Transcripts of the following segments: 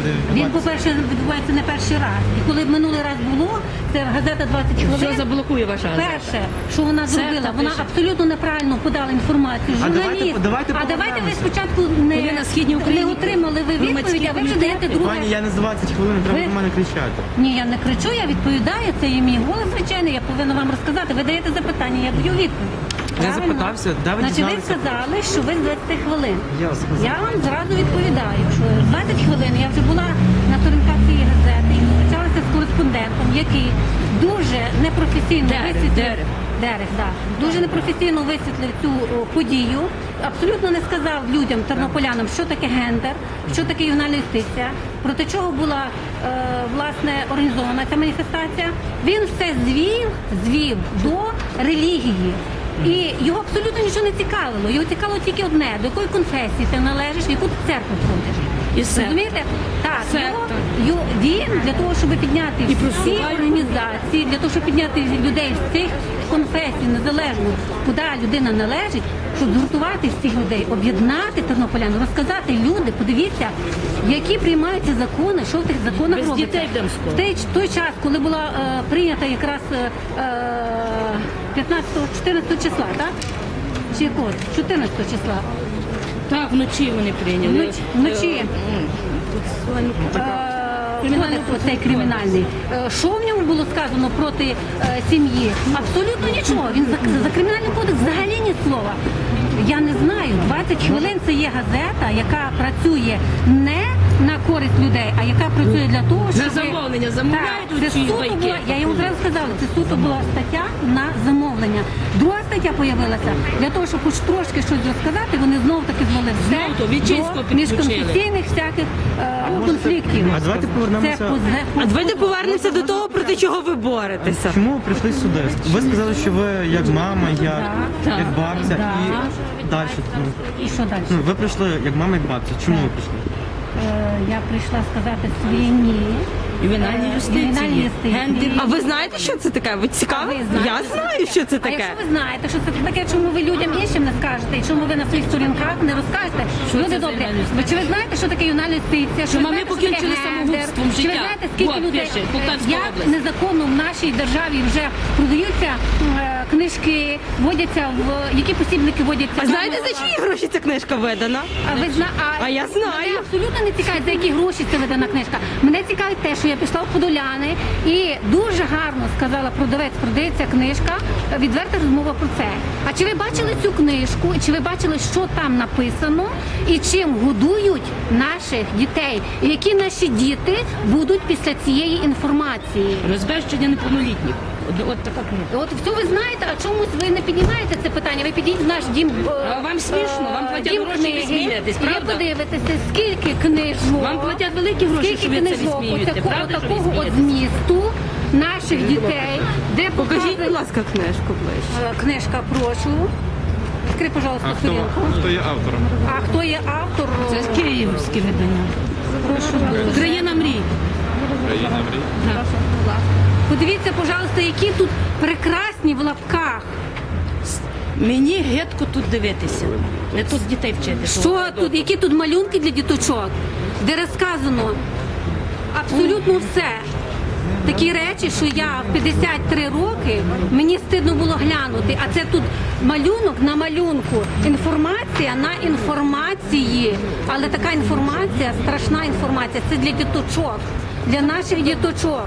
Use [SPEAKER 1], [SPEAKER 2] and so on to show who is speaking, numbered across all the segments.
[SPEAKER 1] буде
[SPEAKER 2] Він,
[SPEAKER 1] відбуватися?
[SPEAKER 2] по-перше, відбувається не перший раз. І коли минулий раз було, це газета 20 хвилин.
[SPEAKER 3] Все заблокує ваша газета.
[SPEAKER 2] Перше, що вона
[SPEAKER 3] Це
[SPEAKER 2] зробила,
[SPEAKER 3] та
[SPEAKER 2] вона
[SPEAKER 3] пише.
[SPEAKER 2] абсолютно неправильно подала інформацію.
[SPEAKER 1] А
[SPEAKER 2] Журналіст.
[SPEAKER 1] давайте
[SPEAKER 2] А давайте ви
[SPEAKER 1] повернемося.
[SPEAKER 2] спочатку
[SPEAKER 3] Ви на Східній
[SPEAKER 2] не
[SPEAKER 3] Україні
[SPEAKER 2] отримали ви
[SPEAKER 3] громадські
[SPEAKER 2] відповідь, а ви вже даєте
[SPEAKER 3] комітети.
[SPEAKER 2] друге.
[SPEAKER 1] Пані, я не з 20 хвилин, треба
[SPEAKER 2] Ви-
[SPEAKER 1] до мене кричати.
[SPEAKER 2] Ні, я не кричу, я відповідаю, це є мій голос, звичайно, я повинна вам розказати. Ви даєте запитання, я даю відповідь.
[SPEAKER 1] Я
[SPEAKER 2] Правильно?
[SPEAKER 1] запитався, де ви
[SPEAKER 2] Значить, ви
[SPEAKER 1] дізналися?
[SPEAKER 2] сказали, що ви з 20 хвилин.
[SPEAKER 1] Я сказав.
[SPEAKER 2] Я вам зразу відповідаю, що 20 хвилин я вже була на сторінках цієї газети і зустрічалася з кореспондентом, який дуже непрофесійно Дерех, да. Дуже непрофесійно висвітлив цю подію. Абсолютно не сказав людям, тернополянам, що таке гендер, що таке ювенальна юстиція, проти чого була власне організована ця маніфестація. Він все звів до релігії. І його абсолютно нічого не цікавило. Його цікавило тільки одне: до якої конфесії ти належиш, в яку ти церкву ходиш.
[SPEAKER 3] І секта.
[SPEAKER 2] Розумієте? Так,
[SPEAKER 3] Секта.
[SPEAKER 2] він для того, щоб підняти
[SPEAKER 3] І
[SPEAKER 2] всі
[SPEAKER 3] просуває.
[SPEAKER 2] організації, для того, щоб підняти людей з цих конфесій, незалежно куди людина належить, щоб згуртувати всіх людей, об'єднати тернополян, розказати люди, подивіться, які приймаються закони, що в тих законах
[SPEAKER 3] Без
[SPEAKER 2] робиться.
[SPEAKER 3] дітей йдемо скоро.
[SPEAKER 2] В той час, коли була прийнята якраз 14 числа, так? Чи якого? 14 числа.
[SPEAKER 3] Так, вночі вони прийняли.
[SPEAKER 2] Вночі.
[SPEAKER 3] Кримінальний
[SPEAKER 2] Кодекс цей кримінальний. Що в ньому було сказано проти сім'ї? Абсолютно нічого. Він за кримінальний кодекс взагалі ні слова. Я не знаю. 20 хвилин це є газета, яка працює не на користь людей, а яка працює для того, щоб...
[SPEAKER 3] На замовлення замовляють
[SPEAKER 2] Так, це
[SPEAKER 3] оці
[SPEAKER 2] суто
[SPEAKER 3] байки.
[SPEAKER 2] була, я йому зразу сказала, це суто була стаття на замовлення. Друга стаття появилася для того, щоб хоч трошки щось розказати, вони знову таки звели все
[SPEAKER 3] Знову то Вічинського
[SPEAKER 2] до
[SPEAKER 3] підключили.
[SPEAKER 2] міжконфесійних всяких конфліктів.
[SPEAKER 1] А давайте повернемося-
[SPEAKER 4] А давайте повернемося до того, проти чого ви боретеся.
[SPEAKER 1] Чому ви прийшли сюди? Ви сказали, що ви як мама,
[SPEAKER 2] Так.
[SPEAKER 1] як бабця
[SPEAKER 2] Так.
[SPEAKER 1] і далі.
[SPEAKER 2] І що далі?
[SPEAKER 1] Ви прийшли як мама, як бабця. Чому ви прийшли?
[SPEAKER 2] Я прийшла сказати своє ні.
[SPEAKER 3] Ювенальній
[SPEAKER 2] Ювенальній
[SPEAKER 3] юстиції.
[SPEAKER 2] юстиції.
[SPEAKER 3] Гендер.
[SPEAKER 4] А ви знаєте, що це таке? Ви цікаві?
[SPEAKER 2] А ви знаєте,
[SPEAKER 4] Я
[SPEAKER 2] що
[SPEAKER 4] знаю,
[SPEAKER 2] таке?
[SPEAKER 4] що це
[SPEAKER 2] А
[SPEAKER 4] таке.
[SPEAKER 2] якщо ви знаєте, що це таке, чому ви людям іншим не скажете, і чому ви на своїх сторінках не розкажете?
[SPEAKER 3] Що
[SPEAKER 2] Люди
[SPEAKER 3] це за
[SPEAKER 2] добрі,
[SPEAKER 3] ювенальна
[SPEAKER 2] ви чи ви знаєте, що таке ювенальна юстиція?
[SPEAKER 3] Що
[SPEAKER 2] ви
[SPEAKER 3] мами
[SPEAKER 2] знаєте, що таке
[SPEAKER 3] покінчили
[SPEAKER 2] гендер?
[SPEAKER 3] самогубством
[SPEAKER 2] Чи ви
[SPEAKER 3] життя?
[SPEAKER 2] знаєте, скільки
[SPEAKER 3] От,
[SPEAKER 2] людей,
[SPEAKER 3] пише, Полтавська
[SPEAKER 2] як
[SPEAKER 3] область.
[SPEAKER 2] незаконно в нашій державі вже продаються книжки, водяться які посібники водяться?
[SPEAKER 4] А знаєте, за чиї гроші ця книжка видана? А я знаю.
[SPEAKER 2] Мене абсолютно не цікавить, за які гроші це видана книжка. Мене цікавить те, що я пішла в Подоляни і дуже гарно сказала продавець, продається книжка, відверта розмова про це. А чи ви бачили цю книжку, чи ви бачили, що там написано, і чим годують наших дітей? І які наші діти будуть після цієї інформації?
[SPEAKER 3] Розбещення неповнолітніх. От така книга.
[SPEAKER 2] От все ви знаєте, а чомусь ви не піднімаєте це питання. Ви підійдіть в наш дім.
[SPEAKER 3] А вам смішно? Вам платять
[SPEAKER 2] дім
[SPEAKER 3] гроші, ви
[SPEAKER 2] книги,
[SPEAKER 3] смієтесь,
[SPEAKER 2] і ви
[SPEAKER 3] правда?
[SPEAKER 2] подивитеся, скільки книжок.
[SPEAKER 3] Вам платять великі гроші,
[SPEAKER 2] скільки
[SPEAKER 3] що ви це
[SPEAKER 2] книжок
[SPEAKER 3] висміюєте,
[SPEAKER 2] отакого-
[SPEAKER 3] правда, що ви
[SPEAKER 2] такого от
[SPEAKER 3] смієтесь?
[SPEAKER 2] змісту наших дітей, де
[SPEAKER 4] Покажіть, будь
[SPEAKER 2] показує-
[SPEAKER 4] ласка, книжку ближче.
[SPEAKER 2] Книжка, прошу. Відкрий, пожалуйста, сторінку.
[SPEAKER 1] Хто є автором?
[SPEAKER 2] А хто є автор?
[SPEAKER 3] Це київське видання.
[SPEAKER 2] Прошу.
[SPEAKER 3] Країна мрій.
[SPEAKER 2] Подивіться, пожалуйста, які тут прекрасні в лапках.
[SPEAKER 3] Мені гидко тут дивитися. Не тут дітей вчити.
[SPEAKER 2] Що тут, які тут малюнки для діточок, де розказано абсолютно все. Такі речі, що я в 53 роки, мені стидно було глянути, а це тут малюнок на малюнку, інформація на інформації, але така інформація, страшна інформація, це для діточок, для наших діточок.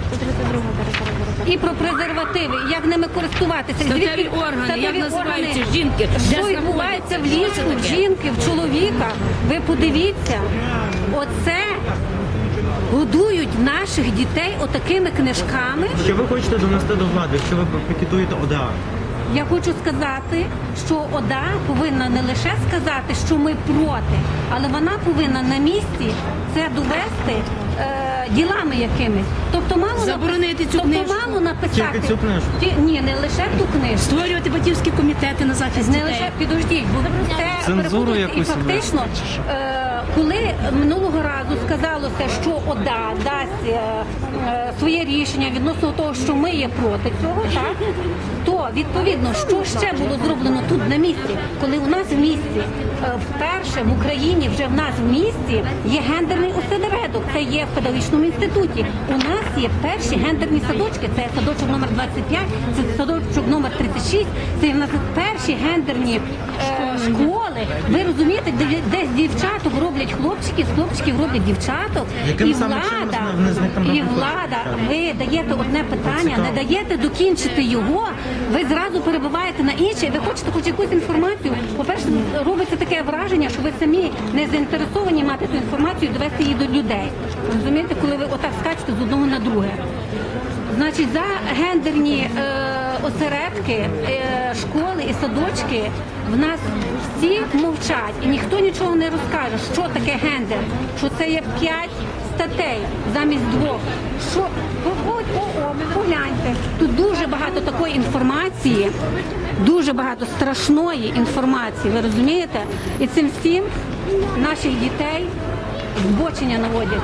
[SPEAKER 2] І про презервативи, як ними користуватися.
[SPEAKER 3] Статеві органи, як називаються жінки, де
[SPEAKER 2] що відбувається в ліжку, в жінки, в чоловіка. Ви подивіться, оце годують наших дітей отакими книжками.
[SPEAKER 1] Що ви хочете донести до влади, що ви пікетуєте ОДА?
[SPEAKER 2] Я хочу сказати, що ОДА повинна не лише сказати, що ми проти, але вона повинна на місці це довести ділами якимись. Тобто мало
[SPEAKER 3] Заборонити цю книжку.
[SPEAKER 2] мало написати.
[SPEAKER 1] Тільки цю книжку?
[SPEAKER 2] Ні, не лише ту книжку.
[SPEAKER 3] Створювати батьківські комітети на захист
[SPEAKER 2] Не
[SPEAKER 3] дітей.
[SPEAKER 2] лише підождіть, бо це
[SPEAKER 1] Цензуру
[SPEAKER 2] перебудеться. І
[SPEAKER 1] якусь
[SPEAKER 2] фактично, коли минулого разу сказалося, що ОДА дасть своє рішення відносно того, що ми є проти цього, так то відповідно, що ще було зроблено тут на місці, коли у нас в місті вперше в Україні вже в нас в місті є гендерний осередок. це є в педагогічному інституті. У нас є перші гендерні садочки. Це садочок номер 25, це садочок номер 36. Це в нас перші гендерні школи. Ви розумієте, де з дівчаток роблять хлопчиків, з хлопчиків роблять дівчаток.
[SPEAKER 1] Яким
[SPEAKER 2] І
[SPEAKER 1] саме
[SPEAKER 2] влада,
[SPEAKER 1] чином вони з них там
[SPEAKER 2] і
[SPEAKER 1] роблять
[SPEAKER 2] влада,
[SPEAKER 1] хлопчиків?
[SPEAKER 2] ви даєте одне питання,
[SPEAKER 1] Цікаво.
[SPEAKER 2] не даєте докінчити його, ви зразу перебуваєте на інше, і ви хочете хоч якусь інформацію. По-перше, робиться таке враження, що ви самі не заінтересовані мати ту інформацію і довести її до людей. Розумієте, коли ви отак скачете з одного на друге. Значить, за гендерні осередки, школи і садочки в нас всі мовчать, і ніхто нічого не розкаже, що таке гендер, що це є 5 статей замість 2. Що погляньте, тут дуже багато такої інформації, дуже багато страшної інформації, ви розумієте? І цим всім наших дітей збочення наводять.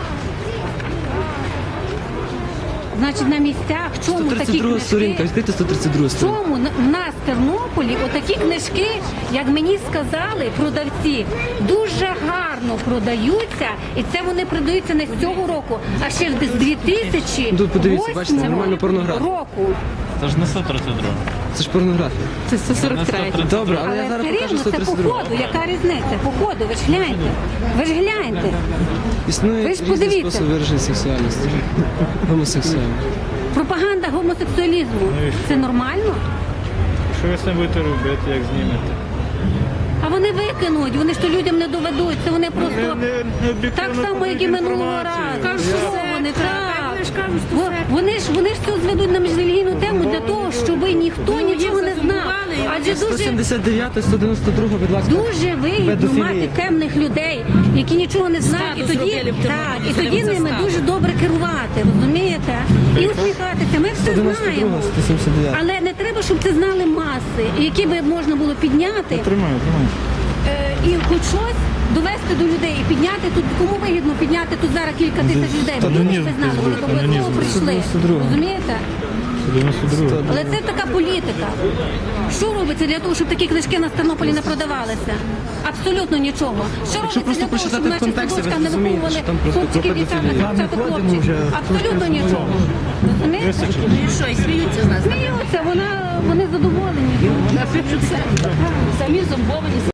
[SPEAKER 2] Значить, на місцях, чому такі
[SPEAKER 5] 132
[SPEAKER 2] книжки?
[SPEAKER 5] сторінка, відкрийте 132 сторінку.
[SPEAKER 2] Чому в нас в Тернополі отакі книжки, як мені сказали продавці, дуже гарно продаються, і це вони продаються не з цього року, а ще з 2008
[SPEAKER 5] Тут подивіться, бачите, нормальна порнографія.
[SPEAKER 2] року.
[SPEAKER 1] Це ж не 132.
[SPEAKER 5] Це ж порнографія.
[SPEAKER 4] Це 143.
[SPEAKER 5] Добре, але я
[SPEAKER 2] Але
[SPEAKER 5] зараз
[SPEAKER 2] все
[SPEAKER 5] покажу
[SPEAKER 2] рівно це по
[SPEAKER 5] 132.
[SPEAKER 2] ходу, яка різниця? По ходу, ви ж гляньте. Ви ж гляньте.
[SPEAKER 5] Існує
[SPEAKER 2] Ви ж
[SPEAKER 5] різний
[SPEAKER 2] подивіться.
[SPEAKER 5] спосіб вираження сексуальності. Гомосексуальність.
[SPEAKER 2] Пропаганда гомосексуалізму. Це нормально?
[SPEAKER 6] Що ви з цим будете робити, як знімете?
[SPEAKER 2] А вони викинуть, вони ж то людям не доведуть, це вони просто
[SPEAKER 6] не об'єктивно
[SPEAKER 2] так само, як і
[SPEAKER 6] подають
[SPEAKER 2] минулого
[SPEAKER 6] інформацію.
[SPEAKER 2] разу.
[SPEAKER 6] Кажуть,
[SPEAKER 2] Що
[SPEAKER 6] що
[SPEAKER 2] вони так? Вони ж це зведуть на міжрелігійну тему для того, щоб ніхто нічого не знав. Адже дуже
[SPEAKER 5] 179, 192, будь ласка.
[SPEAKER 2] дуже вигідно
[SPEAKER 5] Педофілія.
[SPEAKER 2] мати темних людей, які нічого не знають, і
[SPEAKER 3] Статус
[SPEAKER 2] тоді
[SPEAKER 3] зробили в
[SPEAKER 2] так, і
[SPEAKER 3] Тернополі,
[SPEAKER 2] тоді
[SPEAKER 3] це
[SPEAKER 2] ними
[SPEAKER 3] статус.
[SPEAKER 2] дуже добре керувати, розумієте? І усміхатися. Ми все
[SPEAKER 5] 192,
[SPEAKER 2] знаємо.
[SPEAKER 5] 179.
[SPEAKER 2] Але не треба, щоб це знали маси, які би можна було підняти.
[SPEAKER 6] Тримаю.
[SPEAKER 2] І хоч щось довести до людей і підняти тут, кому вигідно підняти тут зараз кілька тисяч людей, бо люди ж ви знали, вони до обов'язково прийшли. Розумієте?
[SPEAKER 6] 92.
[SPEAKER 2] Але це така політика. Що робиться для того, щоб такі книжки на Тернополі не продавалися? Абсолютно нічого. Що робиться
[SPEAKER 5] просто
[SPEAKER 2] для того, щоб
[SPEAKER 5] почитати в
[SPEAKER 2] наші
[SPEAKER 5] контексті, ви
[SPEAKER 2] садочках не
[SPEAKER 5] зрозумієте,
[SPEAKER 2] виховували
[SPEAKER 5] що там просто
[SPEAKER 2] хлопчиків,
[SPEAKER 5] про
[SPEAKER 2] дівчаток,
[SPEAKER 5] педофілію.
[SPEAKER 2] дівчаток, хлопчиків? Абсолютно нічого. Розумієте?
[SPEAKER 3] Ну і що, і сміються з нас?
[SPEAKER 2] Сміються, вони задоволені.
[SPEAKER 3] Самі зомбовані.